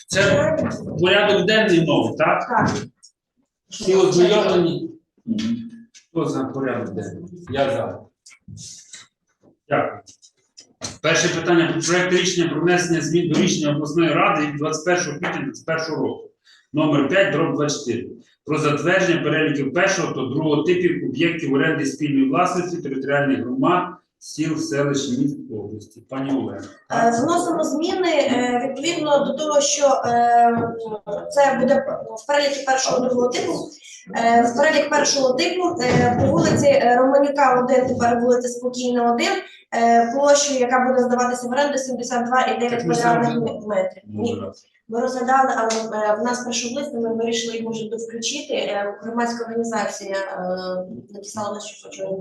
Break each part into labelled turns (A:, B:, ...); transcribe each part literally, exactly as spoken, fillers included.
A: Це порядок денний новий, так?
B: Так.
A: Всі ознайомлені? Хто за порядок денний? Я за. Дякую. Перше питання про проект рішення про внесення змін до рішення обласної ради від двадцять першого квітня двадцять першого року. Номер п'ять, дроб двадцять чотири. Про затвердження переліків першого та другого типів об'єктів оренди спільної власності територіальних громад, сіл, селищ, міст області. Пані Олена.
B: Вносимо зміни е, відповідно до того, що е, це буде в переліки першого другого типу. Е, в перелік першого типу е, по вулиці е, Романюка один, тепер вулиця Спокійна один, е, площею, яка буде здаватися в оренду сімдесят два і дев'ять квадратних метрів. Ні. Ми розглядали, але е, в нас першого листа ми вирішили їх може включити. Е, громадська організація е, написала на що хоче.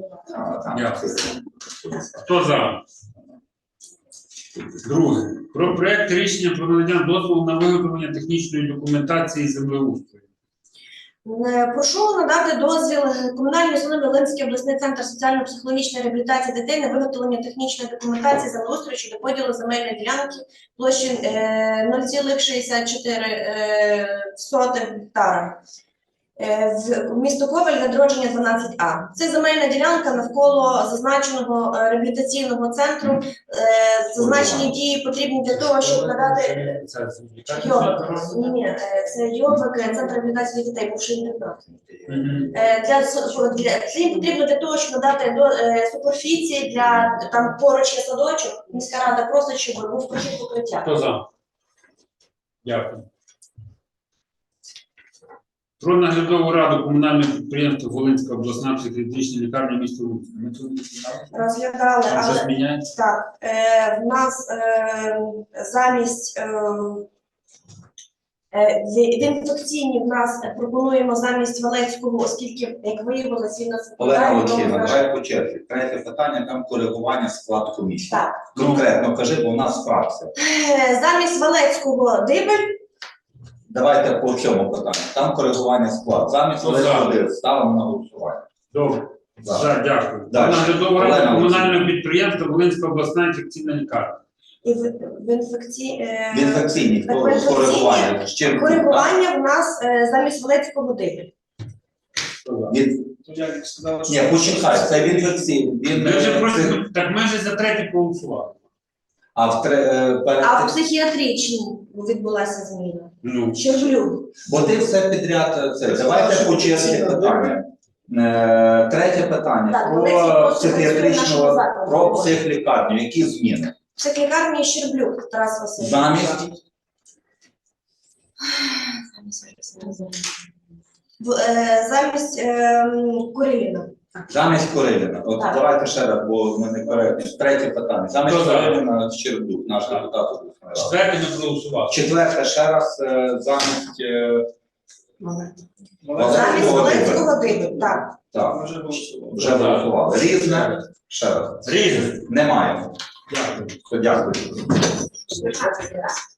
A: Хто за? Друге. Про проект рішення про надання дозволу на виготовлення технічної документації землеустрою.
B: Е, Прошу надати дозвіл комунальній установі Волинський обласний центр соціально-психологічної реабілітації дітей на виготовлення технічної документації землеустрою щодо поділу земельної ділянки площі е, нуль цілих шістдесят чотири гектара. Е, в місто Коваль, відродження дванадцять А. Це земельна ділянка навколо зазначеного е, реабілітаційного центру. Е, зазначені дії потрібні для того, щоб надати Йобик. Ні, ні, е, це Йобик, е, центр реабілітації дітей, бувший інтернат. Е, для, со- для, це їм потрібно для того, щоб надати до е, суперфіції для там поруч є садочок. Міська рада просить, щоб був прохід покриття.
A: Хто за? Дякую. Про наглядову раду комунального підприємства Волинська обласна психіатрична лікарня міста Луцька. Ми це
B: Розглядали,
A: Там
B: але
A: щось міняється?
B: так, е, в нас е, замість е, е, в в інфекційній в нас пропонуємо замість Валецького, оскільки, як виявилось, він нас
C: Олена
B: відповідає,
C: Олексіївна,
B: тому
C: давай по черзі. Третє питання, там коригування склад комісії.
B: так.
C: Конкретно кажи, бо у нас фракція.
B: Е, Замість Валецького Дибель,
C: Давайте по цьому питанню. Там коригування склад. Замість
A: Ну, так.
C: Олега ставимо на голосування.
A: Добре.
C: За.
A: За, дякую. Про
C: Далі.
A: наглядову
C: Олена
A: раду
C: Олексіївна.
A: комунального підприємства Волинська обласна інфекційна лікарня.
B: і в, в інфекції е,
C: В інфекційній
B: так, в
C: хто
B: інфекційній
C: коригування? З чим? так?
B: коригування в нас е, замість Валецького Дибель.
A: Хто за?
C: Від... Ні, почекай, це в інфекційній. Він...
A: Ми вже
C: е,
A: просто,
C: це-
A: так ми вже за третій проголосували.
C: А в тре... е, перед...
B: А в психіатричній відбулася зміна.
A: Ну,
B: Щерблюк.
C: Бо ти все підряд це. Давайте по черзі питання. Е, Третє питання
B: Так,
C: про
B: Олексій просто
C: психіатричного,
B: працює в нашому
C: про
B: закладі.
C: психлікарню. Які зміни?
B: Психлікарні Щерблюк Тарас Васильович.
C: Замість?
B: В, е, замість е, Куриліна.
C: Замість Куриліна. От
B: Так.
C: давайте ще раз, бо ми не коректні. Третє питання. Замість
A: Хто за?
C: Куриліна Щербук, наш
A: Так.
C: депутат обласної ради.
A: четвертий не проголосував.
C: Четверте, ще раз, е, замість... е,
B: Замість Волинського Дибель. Так.
C: Так, вже голосували. Різне, ще раз.
A: Різне.
C: Немає.
A: Дякую.
C: Дякую.
B: Дякую.